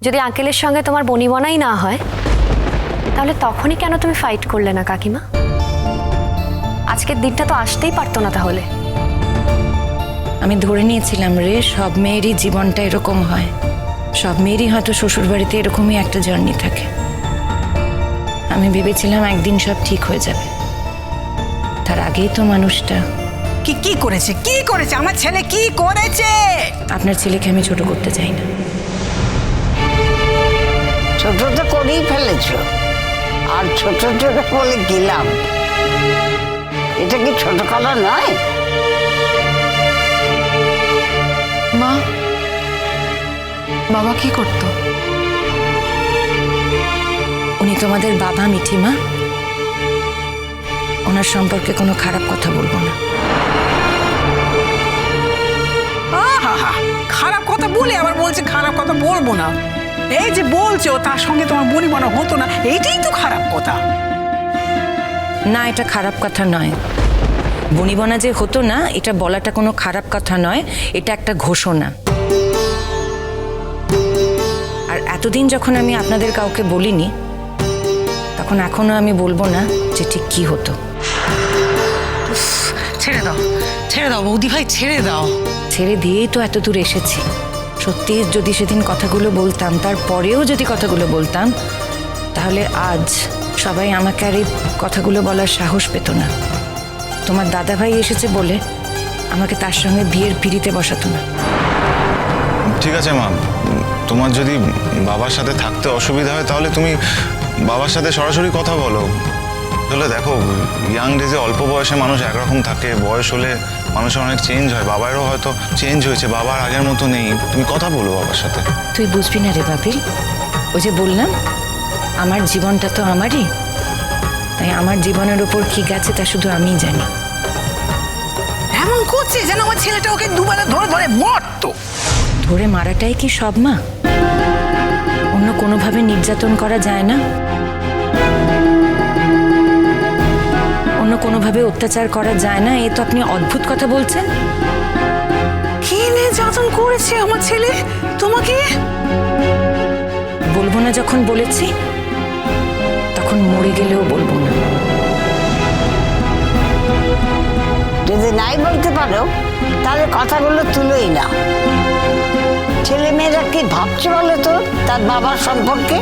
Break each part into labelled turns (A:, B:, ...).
A: যদি আঙ্কেলের সঙ্গে তোমার বনিবনাই না হয় তাহলে তখনই কেন তুমি ফাইট করলে না কাকিমা? আজকের দিনটা তো আসতেই পারতো না তাহলে।
B: আমি ধরে নিয়েছিলাম রে, সব মেয়েরই জীবনটা এরকম হয়, সব মেয়েরই হয়তো শ্বশুর বাড়িতে এরকমই একটা জার্নি থাকে। আমি ভেবেছিলাম একদিন সব ঠিক হয়ে যাবে, তার আগেই তো মানুষটা।
C: কি করেছে, কি করেছে আমার ছেলে, কি করেছে?
B: আপনার ছেলেকে আমি ছোট করতে চাই না।
D: ছোট তো করেই ফেলেছ, আর ছোট ছোট বলে গেলাম, এটা কি ছোট করা নয়?
E: মা, বাবা কি করতো?
B: উনি তোমাদের বাবা মিঠিমা, ওনার সম্পর্কে কোনো খারাপ কথা বলবো না।
C: আহা, খারাপ কথা বলে আবার বলছে খারাপ কথা বলবো না। এই যে বলছো তার সঙ্গে তোমার বনিবনা হতো না, এইটাই তো খারাপ কথা।
B: না, এটা খারাপ কথা নয়। বনিবনা যে হতো না এটা বলাটা কোনো খারাপ কথা নয়, এটা একটা ঘোষণা। আর এতদিন যখন আমি আপনাদের কাউকে বলিনি, তখন এখনো আমি বলবো না যে ঠিক কি হতো।
C: ছেড়ে দাও, ছেড়ে দাও বৌদি ভাই, ছেড়ে দাও।
B: ছেড়ে দিয়েই তো এত দূর এসেছি। সত্যি যদি সেদিন কথাগুলো বলতাম, তারপরেও যদি কথাগুলো বলতাম, তাহলে আজ সবাই আমাকে আর এই কথাগুলো বলার সাহস পেত না। তোমার দাদাভাই এসেছে বলে আমাকে তার সঙ্গে বিয়ের পিঁড়িতে বসাতো না।
F: ঠিক আছে মা, তোমার যদি বাবার সাথে থাকতে অসুবিধা হয় তাহলে তুমি বাবার সাথে সরাসরি কথা বলো। তাহলে দেখো, ইয়াং ডেজে অল্প বয়সে মানুষ একরকম থাকে, বয়স হলে মানুষের অনেক চেঞ্জ হয়। বাবারও হয়তো চেঞ্জ হয়েছে, বাবার আগের মতো নেই। তুমি কথা বলো বাবার সাথে।
B: তুই বুঝবি না রে বাপিল, ওই যে বললাম আমার জীবনটা তো আমারই, তাই আমার জীবনের উপর কি গেছে তা শুধু আমিই জানি।
C: এমন করছে যেন আমার ছেলেটা ওকে দুবেলা ধরে ধরে মরতো।
B: ধরে মারাটাই কি সব মা? অন্য কোনোভাবে নির্যাতন করা যায় না? অন্য কোনোভাবে অত্যাচার করা যায় না? এ তো আপনি অদ্ভুত কথা বলছেন।
C: কি নির্যাতন করেছে আমার ছেলে তোমাকে?
B: বলবো না যখন বলেছি, তখন মরে গেলেও বলবো না।
D: যদি নাই বলতে পারো তাহলে কথাগুলো তুলোই না। ছেলে মেয়েরা কি ভাবছে বলো তো তার বাবার সম্পর্কে?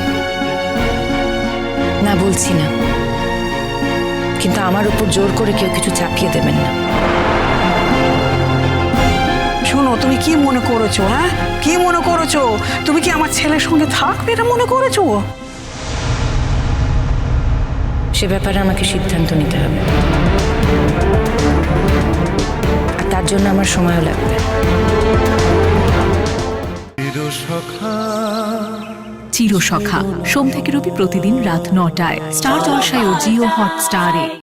B: না, বলছি না, কিন্তু আমার উপর জোর করে কেউ কিছু চাপিয়ে দেবেন না।
C: শোনো, তুমি কি মনে করেছো? হ্যাঁ, কি মনে করেছো? তুমি কি আমার ছেলের সঙ্গে থাকবে এটা মনে করেছো?
B: সে ব্যাপারে আমাকে সিদ্ধান্ত নিতে হবে, আর তার জন্য আমার সময়ও লাগবে।
G: চিরসখা সোম থেকে রবি প্রতিদিন রাত ৯টায় স্টার জলসায় ও জিও হটস্টারে।